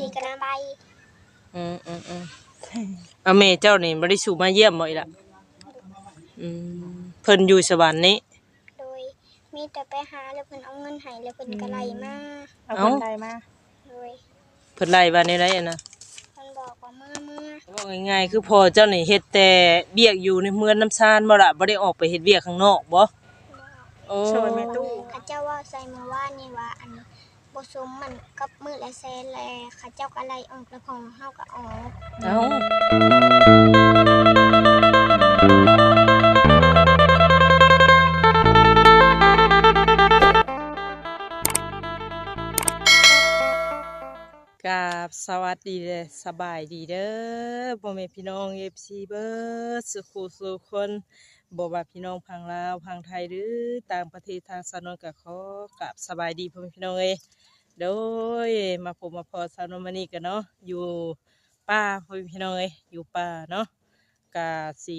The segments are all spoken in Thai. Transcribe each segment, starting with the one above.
ทีกระใบเอาแม่เจ้านี่บ่ได้สู่มาเยี่ยมบ่อีล่ะเพิ่นอยู่สวรรค์นี้โดยมีแต่ไปหาแล้วเพิ่นเอาเงินให้แล้วเพิ่นก็ไล่มาเอาเพิ่นไล่มาโดยเพิ่นไล่ว่าในไรอะนะเพิ่นบอกว่าเมื่อว่าง่ายๆคือพอเจ้านี่เฮ็ดแต่เวียกอยู่ในเมืองน้ำชานบ่ล่ะบ่ได้ออกไปเฮ็ดเวียกข้างนอกบ่โอ้ช่วยแม่ตู้เขาเจ้าว่าใส่เมื่อวานนี่ว่าอันบ่สมมันกับมื้อละแสนแลเขาเจ้าก็ไล่ออกแล้วของเฮาก็ออกกับสวัสดีเด้อสบายดีเด้อพ่อแม่พี่น้อง FC เบิดสุขสุขคนบ่ว่าพี่น้องพังลาวพังไทยหรือต่างประเทศทางสนนก็ขอกับสบายดีพ่อแม่พี่น้องเอ้ยโดยมาพบมาพอสาวนมานี่กันเนาะอยู่ป่าพ่อแม่พี่น้องเอ้ยอยู่ป่าเนาะกะสิ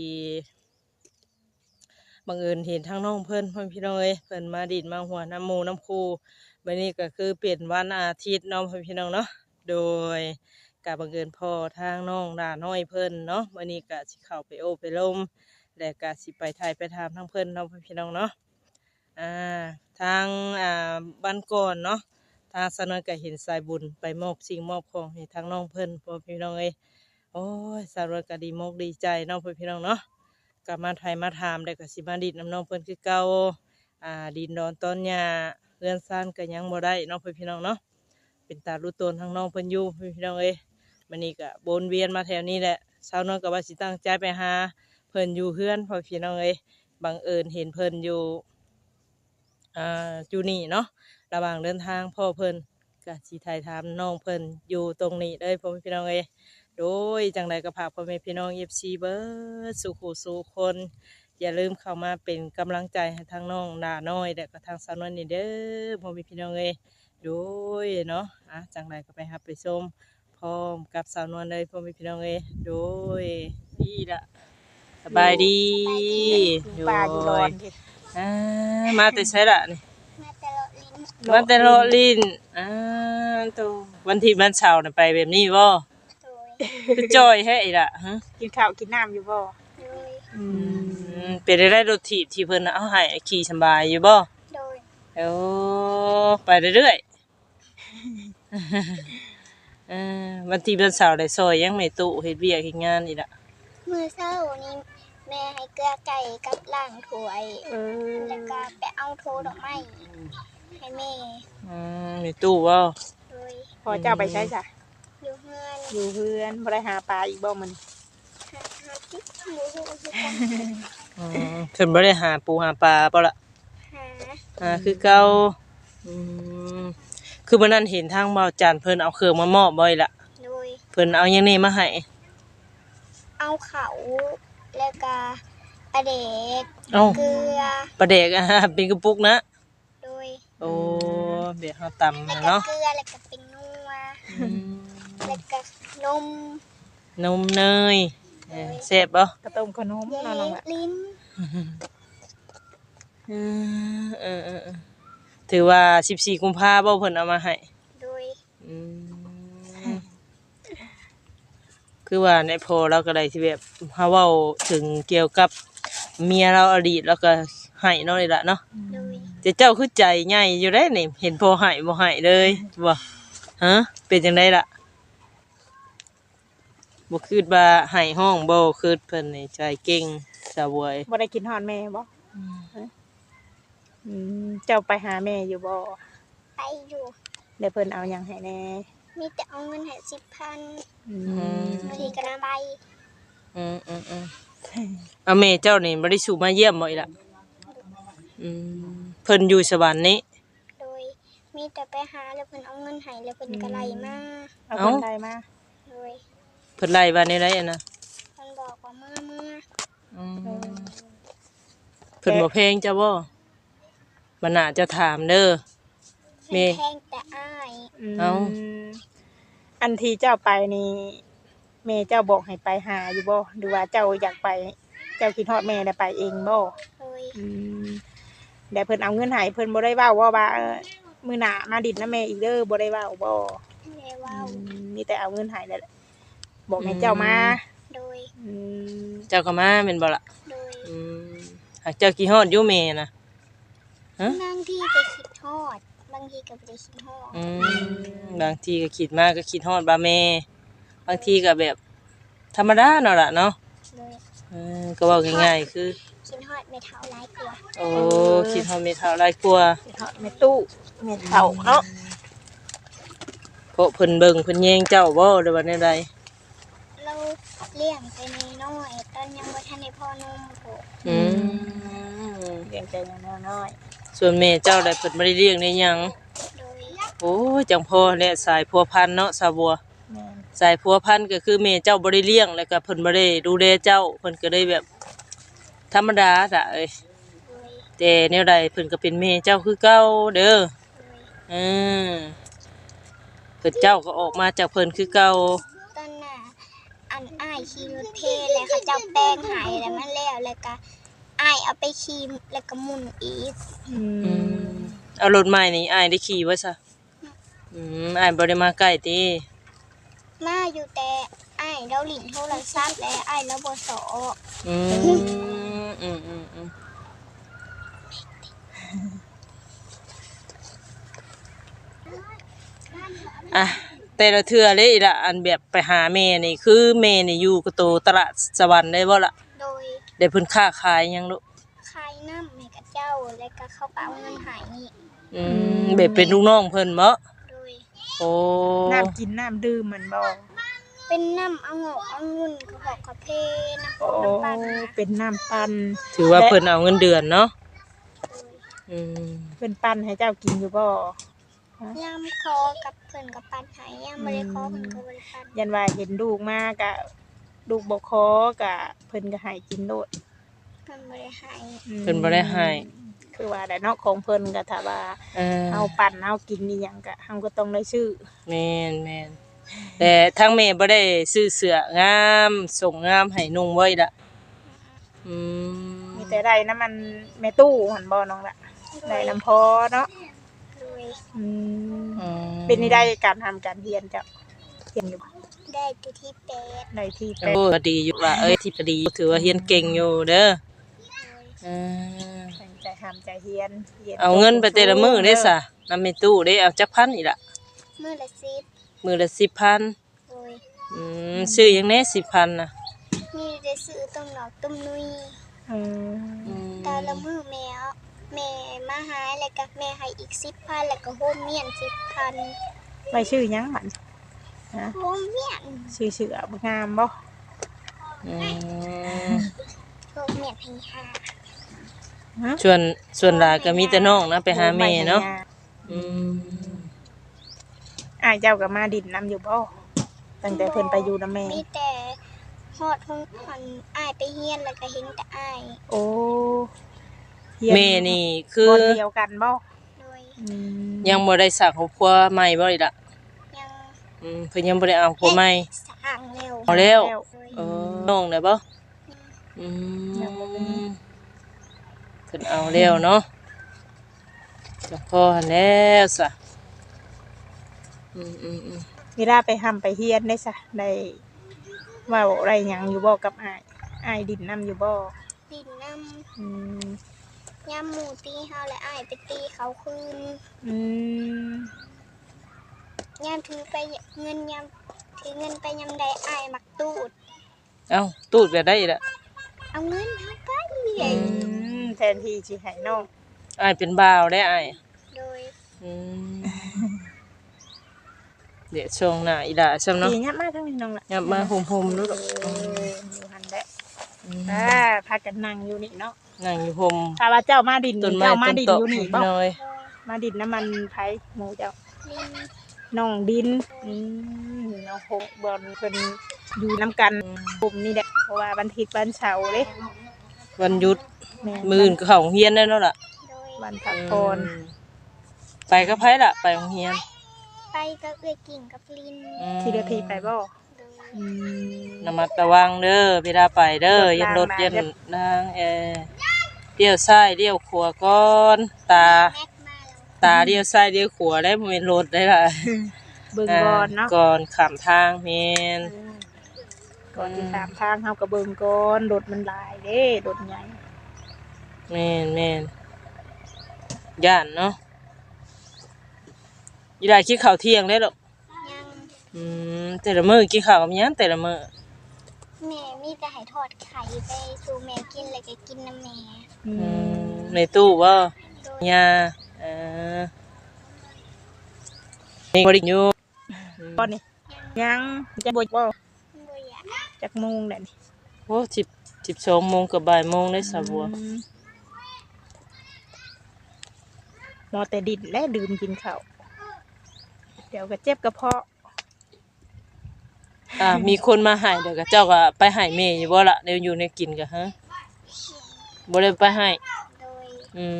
บังเอิญเห็นทางน้องเพิ่นพ่อแม่พี่น้องเอ้ยเพิ่นมาดินมาหัวน้ำหมูน้ำคูบัดนี้ก็คือเปลี่ยนวันอาทิตย์เนาะพ่อแม่พี่น้องเนาะโดยกะบังเอิญพ่อทางน้องด่าน้อยเพิ่นเนาะมื้อนี้กะสิเข้าไปโอ้ไปลมและกะสิไปถ่ายไปถามทางเพิ่นเนาะพี่น้องเนาะทางบ้านก่อนเนาะทางสนนก็เห็นสายบุญไปมอบสิ่งมอบของให้ทางน้องเพิ่นพ่อพี่น้องเอ้ยโอ้ยสารวก็ดีมกดีใจเนาะพ่อพี่น้องเนาะกลับมาถ่ายมาถามได้ก็สิมาดิดน้ำน้องเพิ่นคือเก่าดินดอนต้นหญ้าเรือนซ่านก็ยังบ่ได้เนาะพ่อพี่น้องเนาะเป็นตารู้ตนทางน้องเพิ่นอยู่พี่น้องเอ้ยมื้อนี้ก็วนเวียนมาแถวนี้แหละชาวน้องก็ว่าสิตั้งใจไปหาเพิ่นอยู่เฮือนพ่อพี่น้องเอ้ยบังเอิญเห็นเพิ่นอยู่อยู่นี่เนาะระหว่างเดินทางพ่อเพิ่นก็สิถ่ายถามน้องเพิ่นอยู่ตรงนี้เลยพ่อพี่น้องเอ้ยโดยจังใดก็ฝากพ่อแม่พี่น้อง FC เบิดสุขสู่คนอย่าลืมเข้ามาเป็นกำลังใจให้ทางน้องด่าน้อยและก็ทางสาวนวลนี่เด้อพ่อแม่พี่น้องเอ้ยโดยเนาะจังใดก็ไปรับไปชมพร้อมกับสาวนวลเลยพ่อแม่พี่น้องเอ้ยโดยดีละสบายดีอยู่ป่าอยู่ร้อนมาแต่ใช่ละนี่มาแต่ละลิ้นวันตัววันที่วันเสาร์น่ะไปแบบนี้บ่คือจอยให้อีล่ะฮะกินข้าวกินน้ำอยู่บ่เป็นได้รถถีบที่เพิ่นเอาให้ขี่สบายอยู่บ่โดยไปเรื่อยวันที่วันเสาร์ได้ซอยยังไม่ตุเฮ็ดเวียกเฮ็ดงานอีล่ะมื้อเช้านี้แม่ให้เกลือไก่กับล้างถ้วยแล้วก็ไปเอาโทดอกไม้ให้แม่มีตู้บ่พอเจ้าไปใช้จ้ะอยู่เฮือนบ่ได้หาปลาอีกบ่มันหาจิ๊กหมูฮู้คือกันเพิ่นบ่ได้หาปูหาปลาบ่ล่ะหาคือเก่าคือมื้อนั้นเห็นทางเบาจันเพิ่นเอาเครื่องมามอบบ่อีล่ะเพิ่นเอาหยังนี่มาให้เอาเขาแล้วก็ปลาเด็กเกลือปลาเด็กเป็นกระปุกนะโดยโอ้เดี๋ยวเฮาตำเนาะเกลือแล้วก็เป็นนัวแล้วก็นมเนยแซ่บบ่กระต้มขนมนั่นล่ะลิ้นถือว่า14กุมภาพันธ์บ่เพิ่นเอามาให้โดยคือว่าในพอเราก็ได้ที่แบบเฮาเว้าถึงเกี่ยวกับเมียเราอดีตแล้วก็ให้เนาะนี่ล่ะเนาะแต่เจ้าคือใจใหญ่อยู่ได้นี่เห็นพอให้บ่ให้เลยบ่ฮะเป็นจังได๋ล่ะบ่คิดว่าให้ห้องบ่คิดเพิ่นนี่ใจเก่งสาววยบ่ได้กินฮอดแม่บ่เจ้าไปหาแม่อยู่บ่ไปอยู่แล้วเพิ่นเอาหยังให้แน่มีแต่เอาเงินให้ 10,000ทีกระใบเอาแม่เจ้านี่บ่ได้สู่มาเยี่ยมบ่อีล่ะเพิ่นอยู่สวรรค์นี้โดยมีแต่ไปหาแล้วเพิ่นเอาเงินให้แล้วเพิ่นก็ไล่มาเอาเพิ่นไล่มาโดยเพิ่นไล่ว่าในไรอะนะเพิ่นบอกว่าเมื่อเพิ่นบ่เพลงจ้ะบ่มันน่าจะถามเด้อแม่แพงแต่อ้ายอันที่เจ้าไปนี่แม่เจ้าบอกให้ไปหาอยู่บ่หรือว่าเจ้าอยากไปเจ้าคิดฮอดแม่ได้ไปเองบ่แต่เพิ่นเอาเงินให้เพิ่นบ่ได้เว้าว่ามื้อหน้ามาดิดนำแม่อีกเด้อบ่ได้เว้าบ่ไม่ได้เว้ามีแต่เอาเงินให้แล้วแหละบอกให้เจ้ามาโดยอืมเจ้าก็มาแม่นบ่ล่ะโดยหากเจ้ากี่ฮอดอยู่แม่น่ะฮะบางทีก็คิดฮอดบางทีก็บ่ได้คิดฮอดบางทีก็คิดมากก็คิดฮอดบ่าแม่บางทีก็แบบธรรมดาเนาะล่ะเนาะโดยก็เว้าง่ายๆคือคิดฮอดไม่เท่าหลายกว่าโอ้คิดฮอดแม่เฒ่าหลายกว่าไปทอดแม่ตู้แม่เฒ่าเนาะเพราะเพิ่นเบิ่งเพิ่นแยงเจ้าบ่หรือว่าแนวใดเราเลี้ยงไปน้อยๆตอนยังบ่ทันได้พ่อนมโหเลี้ยงใจน้อยส่วนแม่เจ้าได้เพิ่นบ่ได้เลี้ยงได้หยังโดยโอ้ยจังพ่อแหละสายพัวพันธุ์เนาะสาวบัวๆแม่นสายพัวพันธุ์ก็คือแม่เจ้าบ่ได้เลี้ยงแล้วก็เพิ่นบ่ได้ดูแลเจ้าเพิ่นก็ได้แบบธรรมดาจ้ะเอ้ยโดยแต่แนวใดเพิ่นก็เป็นแม่เจ้าคือเก่าเด้อโดยเออเพิ่นเจ้าก็ออกมาจากเพิ่นคือเก่าตอนน่ะอันอ้ายขี่รถเพลแล้วเขาเจ้าแป้งหายแล้วมันแล้วก็อ้ายเอาไปขี่แล้วก็หมุนอีกเอารถใหม่นี่อ้ายได้ขี่ไว้ซะอ้ายบ่ได้มาใกล้ติมาอยู่แต่อ้ายเราหลินโทรศัพท์และอ้ายเราบ่สออืมอ่ะแต่ละเทื่อเลยล่ะอันแบบไปหาแม่นี่คือแม่นี่อยู่กับโตตลาดสวรรค์ได้บ่ล่ะโดยได้เพิ่นค้าขายหยังลูกขายน้ำให้กับเจ้าแล้วก็เข้าไปเอาเงินใหายนี่แบบเป็นลูกน้องเพิ่นบ่โดยโอ้น้ำกินน้ำดื่มมันบ่เป็นน้ำเอางอกเอางุ่นกระหอกกระเพน้ำโอ้น้ำปันนะเป็นน้ำปั่นถือว่าเพิ่นเอาเงินเดือนเนาะโดยอืมเพิ่นปั่นให้เจ้ากินอยู่บ่ย่ำคอกับเพิ่นกับปันใหายย่ำบริคอเพิ่นกับบริปันยันว่าเห็นลูกมากะลูกบ่คอกะเพิ่นก็ให้กินโลดเพิ่นบริหายเพิ่นบ่ได้ให้คือว่าได้เนาะของเพิ่นก็ถ้าว่า เฮาปั่นเฮากินอีหยังก็เฮาก็ต้องได้ซื้อแม่นแต่ทางแม่บ่ได้ซื้อเสื้องามส่งงามให้นุ่งไว้ล่ะอืมมีแต่ได้น้ำมันแม่ตู้หั่นบ่น้องล่ะได้น้ำพอเนาะโดยอืมอืมเป็นนี่ได้การทำการเรียนจ้ะเรียนอยู่บ่ได้ที่ที่แปดในที่แปโอ้ก็ดีอยู่ล่ะเอ้ยที่ก็ดีถือว่าเรียนเก่งอยู่เด้อโดยอืมตั้งใจทำใจเรียนเอาเงินไปแต่ละมื้อได้ซะนำแม่ตู้ได้เอาจักพันอีกล่ะมื้อละ10 มื้อละ 10,000 โดยซื้อหยังแน่ 10,000น่ะมีได้ซื้อต้มหนอกต้มนุยอืมแต่ละมื้อแม่มาหาแล้วก็แม่ให้อีก10,000แล้วก็โฮมเมียน10,000 ไว้ชื่อหยังมันฮะโฮมเมียนชื่อเสือบ่งามบ่อืมโฮมเมียนให้หาฮะส่วนหลายก็มีแต่น้องนะไปหาแม่เนาะอืมอ้ายเจ้าก็มาดินน้ำอยู่บ่ตั้งแต่เพิ่นไปอยู่นำแม่มีแต่ฮอดห้องคนอ้ายไปเฮียนแล้วก็เห็นแต่อ้ายโอ้เรียแม่นี่คือบ่เดียวกันบ่โดยอืมยังบ่ได้สร้างครอบครัวใหม่บ่อีกล่ะยังเพิ่นยังบ่ได้เอาครอบครัวใหม่สร้างแล้วเอาแล้วโดยน้องได้บ่อืมเพิ่นเอาแล้วเนาะจักพอหั่นแล้วซะอืมเวลาไปห้ำไปเฮียนได้ซะได้เว้าอะไรหยังอยู่บ่กับอ้ายดินน้ำอยู่บ่ดินน้อืมำย่ำหมูตีเฮาและอ้ายไปตีเขาคืนอืมย่ำถือไปเงินย่ำถือเงินไปยำใดอ้ายมักตูดเอ้าตูดแบบได้อีกล่ะเอาเงินเฮาไปแทนที่สิให้น้องอ้ายเป็นบ่าวได้อ้ายโดยอืมเดี๋ยวช่วงหน้าอีหล่าซ้ำเนาะดีงับมาทั้งนี้น้องล่ะยับมาห่มๆดูดอกอยู่หันแหละพากันนั่งอยู่นี่เนาะนั่งอยู่ห่มถ้าว่าเจ้ามาดินต้นไม้เจ้ามาต้นดินตอกอยู่นี่บ่น้อยมาดินน้ำมันไผหมูเจ้าลินน้องดินน้องหกบอลเพิ่นอยู่น้ำกันกลุ่มนี่แหละเพราะว่าวันอาทิตย์วันเสาร์เด้วันหยุดแม่มื้ออื่นก็เข้าโรงเรียนได้แล้วล่ะโดยวันพักผ่อนไปกับไผล่ะไปโรงเรียนไปกับเอื้อยกิ่งกับลินที่เดือทีไปบ่โดยอืมระมัดระวังเด้อเวลาไปเด้ออย่ารถอย่าทางเลี้ยวซ้ายเลี้ยวขวาก่อนตาแม็กมาแล้วตาเลี้ยวซ้ายเลี้ยวขวาได้บ่แม่นรถได้ล่ะเบิ่งก่อนเนาะก่อนข้ามทางแม่นก่อนที่ข้ามทางเฮาก็เบิ่งก่อนรถมันหลายเด้รถใหญ่แม่นย่านเนาะอีได้กินข้าวเที่ยงได้หรอกยังแต่ละมื้อกินข้าวกับหยังแต่ละมื้อแม่มีแต่ให้ทอดไข่ไปสู่แม่กินแล้วก็กินน้ำแม่ในตู้บ่โดยยานี่บ่ได้อยู่ตอนนี้ยังจะบ่บ่บ่อยากจักโมงแล้วนี่โอ้12 โมงกับบ่ายโมงได้สะบัวมอแต่ดินและดื่มกินข้าวเดี๋ยวก็เจ็บกระเพาะมีคนมาให้เดี๋ยวก็เจ้าก็ไปให้แม่อยู่บ่ล่ะเดี๋ยวอยู่ในกินก็ฮะบ่ได้ไปให้โดย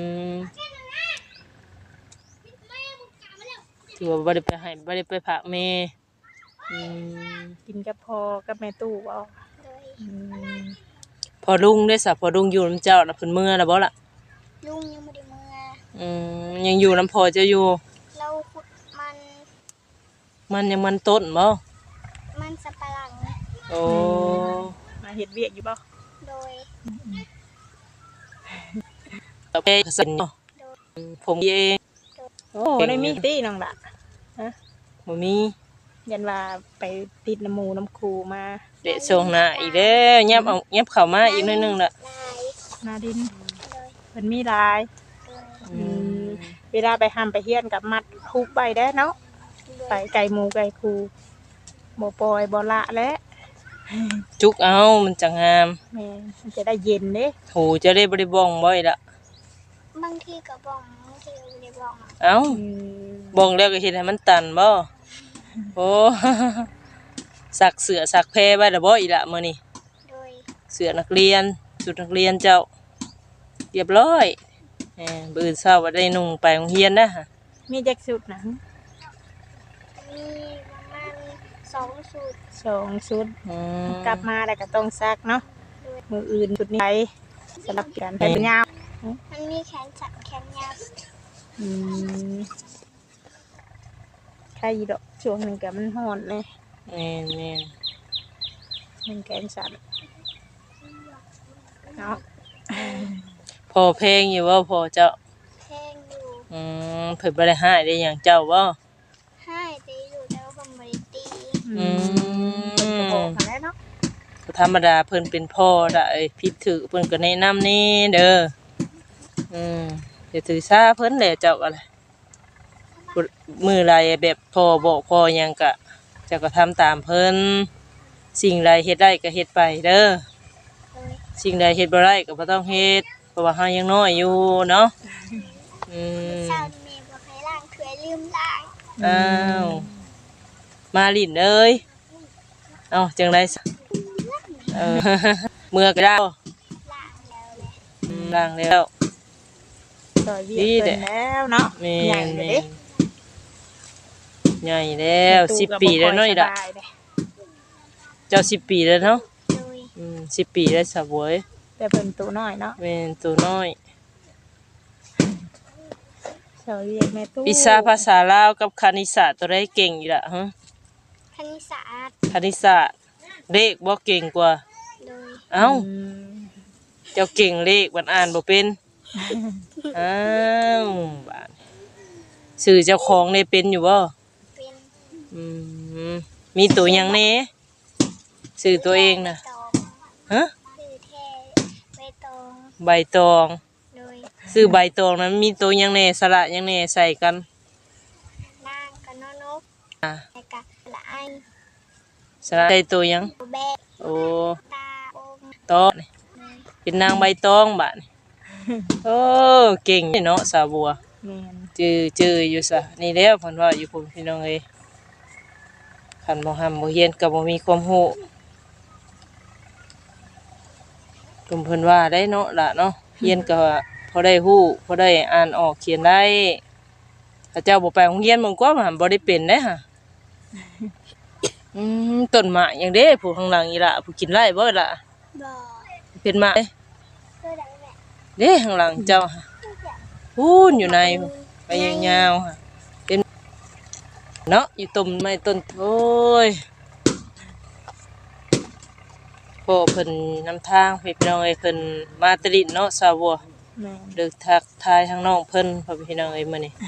ถือว่าบ่ได้ไปให้บ่ได้ไปฝากแม่กินกับพอกับแม่ตู้บ่โดยพอลุงได้ซะพอลุงอยู่นำเจ้าน่ะเพิ่นเมื่อแล้วบ่ล่ะลุงยังบ่ได้เมื่อยังอยู่นำพ่อเจ้าอยู่เราขุดมันมันยังมันต้นบ่มันสับปะหลังโอ้มาเฮ็ดเวียกอยู่บ่โดยเอาไปสั่นเนาะผมเองโอ้ได้มีติน้องล่ะบ่มียันว่าไปติดน้ำหมูน้ำคูมาเดะส่งหน้าอีกแล้วยับเข้ามาอีกหน่อยหนึงล่ะลายนาดินโดยเพิ่นมีหลายโดยเวลาไปห้ำไปเฮียนกับมัดฮุบไปได้เนาะไปไก่หมูไก่คูบ่ปล่อยบ่ละและจุกเอามันจะงามแม่มันจะได้เย็นเด้หูจะได้บ่ได้บ้องบ่อยละบางทีก็บ้องบางทีก็บ่ได้บ้องเอ้าบ้องแล้วก็เฮ็ดให้มันตันบ่โอ้ สักเสือสักแพรไว้แล้วบ่อีละมื้อนี้โดยเสือนักเรียนชุดนักเรียนเจ้าเรียบร้อยมื้ออื่นเช้าว่าได้นุ่งไปโรงเรียนนะมีจักสุดนะมีประมาณ2สูตร 2ชุดมกลับมาแล้วก็ต้องซักเนาะมืออื่นชุดนี้ไปสลับกันไปเป็นยาวมันมีแขนสั้นแขนยาวอืมใครดอกช่วงหนึงก็มันฮ้อนเลยแม่นมันแกนสั่นเนาะพอเพลงอยู่บ่พอเจ้าแพงอยู่เพิ่นบ่ได้ให้ได้หยังเจ้าบ่ให้ตีอยู่แต่ว่าผมบ่ได้ตีก็บอกกันแล้วเนาะธรรมดาเพิ่นเป็นพ่อได้ผิดถือเพิ่นก็แนะนำนี่เด้อเดี๋ยวถือซาเพิ่นแหละเจ้าก็เลยมือไรแบบพ่อบอกพ่อหยังก็เจ้าก็ทำตามเพิ่นสิ่งใดเฮ็ดได้ก็เฮ็ดไปเด้อโดยสิ่งใดเฮ็ดบ่ได้ก็บ่ต้องเฮ็ดเพราะว่าเฮายังน้อยอยู่เนาะอืมเช้านี้แม่บอกให้ล้างถ้วยลืมล้างอ้าวมาลิ้นเอ้ยเอ้าจังได๋เมื่อก็ได้ล้างแล้วแหละล้างแล้วต่อยเวียกเพิ่นแล้วเนาะแม่ใหญ่นเลยแม่เด้นใหญ่แล้ว10 ปีแล้วเนาะอีล่ะสบายเด้เจ้า10 ปีแล้วเนาะโดย 10 ปีแล้วสาวบวยแต่เพิ่นตัวน้อยเนาะเป็นตัวน้อยต่อยเวียกแม่ตู้วิชาภาษาลาวกับคณิตศาสตร์ตัวได้เก่งอยู่ละฮะคณิตศาสตร์คณิตศาสตร์เลขบ่เก่งกว่าโดยเอ้าอืมเจ้าเก่งเลขมันอ่านบ่เป็นอ้าวบาดสื่อเจ้าของได้เป็นอยู่บ่เป็นอืมมีตัวหยังแหน่สื่อตัวเองน่ะใบตองฮะชื่อแท้ใบตองใบตองโดยสื่อใบตองนั้นมีตัวหยังแหน่สระหยังแหน่ใส่กันนางกับนอนกอ่ะแล้วก็ละไอสระใส่ตัวหยังแบกโอ้ตาอมตองนี่เป็นนางใบตองบาดนี่โอ้เก่งเนาะสาวบัวแม่นจืออยู่ซะนี่แล้วเพิ่นว่าอยู่พุ่นพี่น้องเอ้ยคันบ่ห้ำบ่เฮียนก็บ่มีความรู้กลุ่มเพิ่นว่าได้เนาะล่ะเนาะเฮียนก็พอได้ฮู้พอได้อ่านออกเขียนได้ถ้าเจ้าบ่ไปโรงเรียนมันก็มันบ่ได้เป็นเด้ฮะต้นหมากหยังเด้ผู้ข้างหลังอีหล่ะผู้กินไร่บ่ล่ะบ่อเป็นหมากเด้เพื่อดังแหละเด้ข้างหลังเจ้าฮะพูนอยู่ในไปยาวๆฮะเป็นเนาะอยู่ต้นไม้ต้นโอ้ยพ่อเพิ่นนำทางพี่น้องเอ้ยเพิ่นมาตริดเนาะสาวบัวแม่นเลิกทักทายทางน้องเพิ่นพ่อพี่น้องเอ้ยมื้อนี้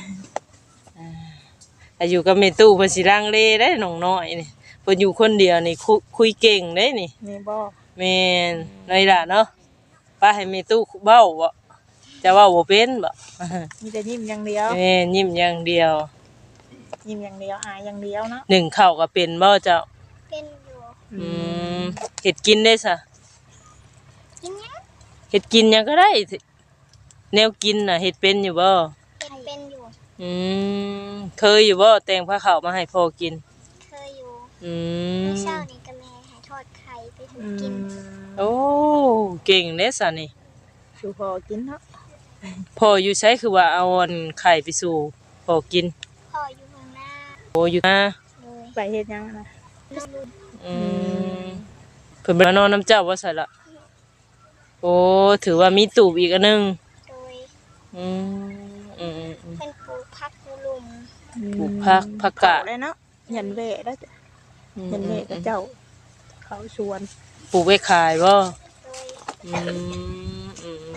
อายุกับแม่ตู้เพิ่นสิลังเลได้น้องน้อยนี่เพิ่นอยู่คนเดียวนี่คุยเก่งเด้นี่นี่บ่แม่นน้อยล่ะเนาะป้าให้แม่ตู้เว้าบ่จะเว้าบ่เป็นบ่มีแต่ยิ้มอย่างเดียวแม่ยิ้มอย่างเดียวยิ้มอย่างเดียวอายอย่างเดียวเนาะหนึ่งข้าวก็เป็นบ่เจ้าเป็นอยู่อืมเฮ็ดกินได้ซะกินยังเฮ็ดกินหยังก็ได้แนวกินน่ะเฮ็ดเป็นอยู่บ่เฮ็ดเป็นอยู่อืมเคยอยู่บ่แต่งผ้าขาวมาให้พ่อกินเคยอยู่อืมเมื่อเช้านี้ก็แม่ให้ทอดไข่ไปถูกินโอ้เก่งเด้ซะนี่ชูพอกินเนาะพ่ออยู่ไสคือว่าเอาอันไข่ไปสู่พ่อกินพ่ออยู่ข้างหน้าโอ้อยู่นะเลยไปเฮ็ดหยังนะน้องรุ่นอืมเพิ่นมานอนน้ำเจ้าว่าซั่นล่ะโอ้ถือว่ามีตูบอีกอันหนึงโดยอืมอืมอืมเป็นปลูกผักอยู่หลุมปลูกผักกาดเลยเนาะยันเวะแล้วจ้ะยันเวะกับเจ้า เขาชวนปลูกไว้ขายบ่โดยอืมอืม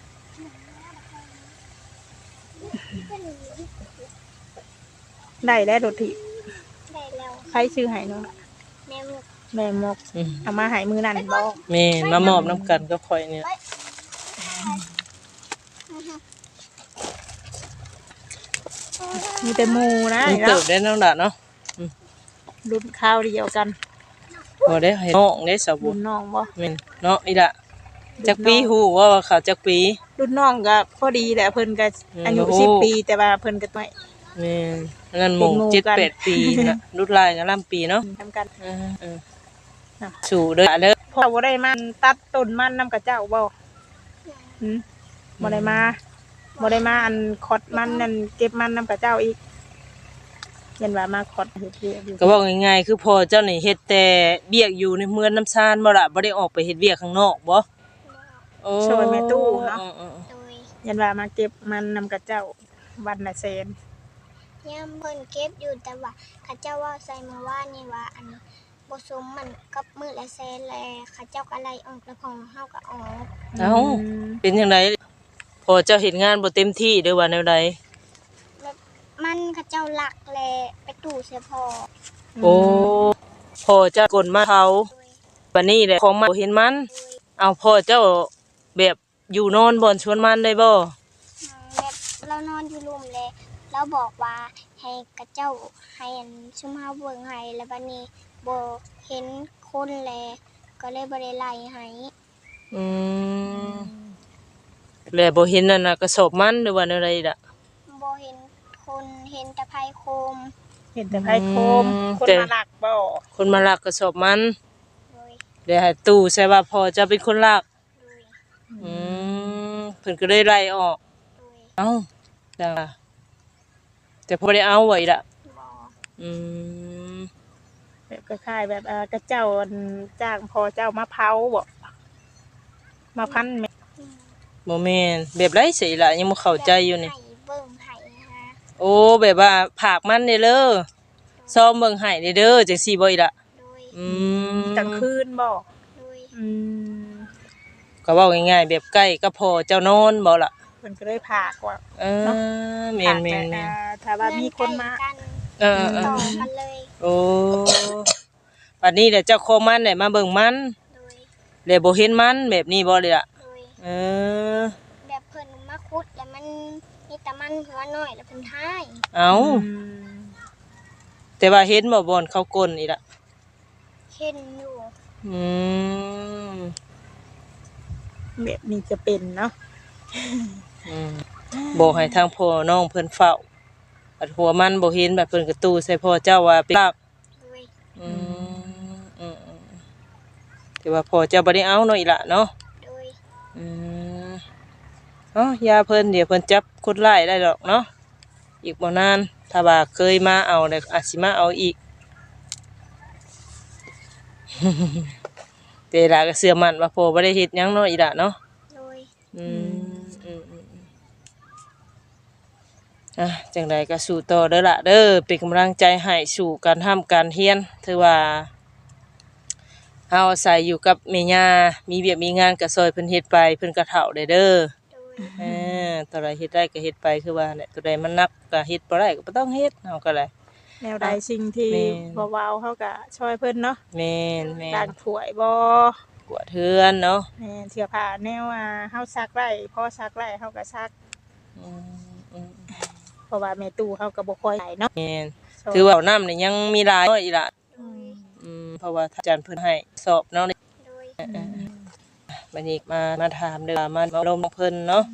ได้แล้วโดดทิได้แล้วใครชื่อให้น้องล่ะแม่มุกแม่มกอืมเอามาให้มือนั่นบ่แม่มามอบน้ำกันก็ค่อยเนี่ยมีแต่หมูนะมันเติบได้น้ำหนักเนาะรุ่นข้าวเดียวกันพอได้ให้น้องได้สาวบุรุ่ญนน้องบ่แม่นเนาะอีละจักปีฮู้ว่าเขาจักปีรุ่นน้องก็พอดีแหละเพิ่นก็อายุโอ้โห 10 ปีแต่ว่าเพิ่นก็ไม่แม่นอันนั้นหมู่เป็นหมู่เจ็ดกันแปดปีนะรุ่นลายกันล่ำปีเนาะทำกันเออเออน่ะสู่เด้อเด้อพ่อบ่ได้มันตัดต้นมันนำกับเจ้าบ่หืมบ่ได้มาบ่ได้มาอันขอดมันนั่นเก็บมันนำกับเจ้าอีกเห็นว่ามาขอดเฮ็ดเวียกอยู่ก็บอกง่ายๆคือพอเจ้านี่เฮ็ดแต่เบียกอยู่ในเมืองน้ำซานบ่ล่ะบ่ได้ออกไปเฮ็ดเวียกข้างนอกบ่โอ้ช่วยแม่ตู้เนาะออโดยเห็นว่ามาเก็บมันนำกับเจ้าวันละแสนย่ามเพิ่นเก็บอยู่แต่ว่าเขาเจ้าว่าใส่มาว่านี่ว่าอันบ่สมมันกับมื้อละแสนแลเขาเจ้าก็ไล่ออกแล้วของเฮาก็ออกเอ้าเป็นจังไดพอเจ้าเฮ็ดงานบ่เต็มที่เด้อว่าแนวใดแบบมันเขาเจ้าหลักแลไปตู้เสียพอโอ้พ่อเจ้ากลมาเขาโดยบัดนี้แหละของมันบ่เห็นมันโดยเอาพ่อเจ้าแบบอยู่นอนบ่อนชวนมันได้บ่แบบเรานอนอยู่รุมเลยแล้วบอกว่าให้กระเจ้าให้อันชุมเฮาเบิ่งให้แล้วบัดนี้บ่เห็นคนแลก็เลยบ่ได้ไล่ให้อืมแล้วบ่เห็นนั่นน่ะกระสอบมันหรือว่าแนวใดล่ะบ่เห็นคนเห็นแต่ไผโคมเห็นแต่ไผโคมอืมคนแต่มาหลักบ่คนมาลักกระสอบมันโดยเดี๋ยวให้ตู้ใช่ว่าพ่อเจ้าเป็นคนลักโดยอืมเพิ่นก็เลยไล่ออกโดยเอ้าจ้าแต่พอได้เอาไว้ล่ะบ่อืมแบบคล้ายๆแบบกระเจ้าอันจ้างพอเจ้ามาเผาบ่มาพันแม่บ่แม่นแบบไรสิล่ะยังบ่เข้าใจอยู่นี่ให้เบิ่งให้ฮะโอ้แบบว่าผากมันเด้อเด้อซ้อมเบิ่งให้เด้อเด้อจังซี่บ่อีล่ะโดยอืมกลางคืนบ่โดยอืมก็เว้าง่ายๆแบบใกล้กับพ่อเจ้านอนบ่ล่ะเพิ่นก็เลยพากว่าเออแม่นแม่นแม่นถ้าว่ามีคนมาเพื่อใกล้กันเออเอต่ออกันเลยโอ้บัดนี้เดี๋ยวเจ้าของมันได้มาเบิ่งมันโดยแล้วบ่เห็นมันแบบนี้บ่เลยล่ะโดยเออแบบเพิ่นมาขุดแล้วมันมีแต่มันหัวน้อยแล้วเพิ่นท้ายเอาอืมแต่ว่าเห็นบ่บ่อนเขากลนอีล่ะเห็นอยู่อืมแบบนี้จะเป็นเนาะอืมบอกให้ทางพ่อน้องเพิ่นเฝ้าบัดหัวมันบ่เห็นแบบเพิ่นก็ตู้ใส่พ่อเจ้าว่าเป็นลักโดยอืมอืมอืมแต่ว่าพ่อเจ้าบ่ได้เอาเนาะอีล่ะเนาะโดยอืมเอ้ายาเพิ่นเดี๋ยวเพิ่นจับคนร้ายได้ดอกเนาะอีกบ่นานถ้าว่าเคยมาเอาแล้วอาจสิมาเอาอีก แต่ล่ะก็เชื่อมั่นว่าพ่อบ่ได้เฮ็ดหยังเนาะอีล่ะเนาะโดยอืมอืมอืมอืมจังใดก็สู้ต่อเด้อล่ะเด้อเป็นกำลังใจให้สู่การทำการเรียนถือว่าเฮาอาศัยอยู่กับแม่ย่ามีเวียกมีงานก็ซอยเพิ่นเฮ็ดไปเพิ่นก็เฒ่าได้เด้อโดยตัวใดเฮ็ดได้ก็เฮ็ดไปคือว่าเนี่ยตัวใดมันหนักก็เฮ็ดบ่ได้ก็บ่ต้องเฮ็ดเฮาก็ได้แนวใดสิ่งที่แม่นบ่เว้าเฮาก็ช่วยเพิ่นเนาะแม่นแม่ล้างนถ้วยบ่กวาดเฮือนเนาะแม่นเสื้อผ้าแนวเฮาซักไว้พอซักไว้เฮาก็ซักอืมเพราะว่าแม่ตู้เฮาก็บ่ค่อยได้เนาะแม่นถือว่าน้ำนี่ยังมีหลายน้อยอีหล่ะอืมเพราะว่าอาจารย์เพิ่นให้สอบเนาะโดยบัดนี้มาถามเด้อมาลมเพิ่นเนาะ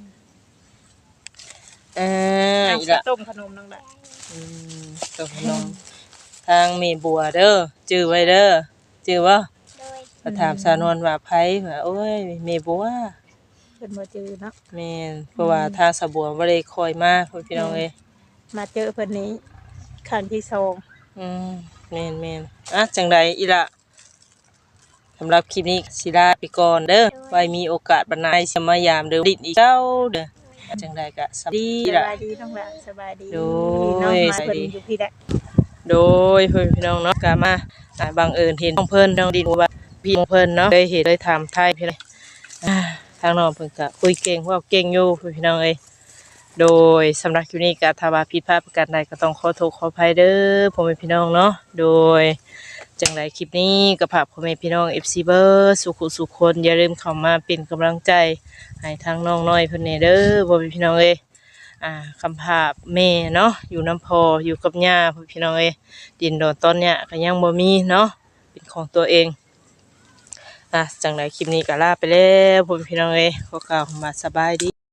น้ำอีสิหล่ะต้มขนมน้องละอืมตกลงทางแม่บัวเด้อจื้อไว้เด้อจื้อบ่โดยก็ถามสาวนวลว่าไผว่าโอ้ยแม่บัวเพิ่นบ่จือเนาะแม่นเพราะว่าทางสะบัวบ่ได้คอยมาพุ่นพี่น้องเอ้ยมาเจอเพิ่นนี้ครั้งที่สองแม่นจังใดอีล่ะสำหรับคลิปนี้สิลาไปก่อนเด้อไว้มีโอกาสบัดหน้าสิมายามเด้อดิดอีกเจ้าเด้อจังใดก็สวัสดีสล่ะบายดีน้องละสบายดีโดยน้องมาสบายเพิ่นดีอยู่พี่แหละโดยเพื่อนพี่น้องเนาะก็มาบังเอิญเห็นน้องเพิ่นน้องดินว่าพี่น้องเพิ่นเนาะได้เห็นได้ถามไทยพี่เลยทางน้องเพิ่นก็คุยเก่งเว่าเก่งอยู่พี่น้องเอ้ยโดยสำหรับคลิปนี้ก็ถ้าว่าผิดพลาดประการใดก็ต้องขอโทษขออภัยเด้อพ่อแม่พี่น้องเนาะโดยจังไรคลิปนี้ก็ฝากพ่อแม่พี่น้อง FC เบอร์สุขุสุขคนอย่าลืมเข้ามาเป็นกำลังใจให้ทางน้องน้อยเพิ่นแหน่เด้อพ่อแม่พี่น้องเอ้ยคำภาพแม่เนาะอยู่น้ำพออยู่กับย่าพ่อพี่น้องเอ้ยดินโดนตอนเนี้ยก็ยังบ่มีเนาะเป็นของตัวเองจังไรคลิปนี้ก็ลาไปแล้วพ่อพี่น้องเอ้ยขอกล่าวคำว่าสบายดี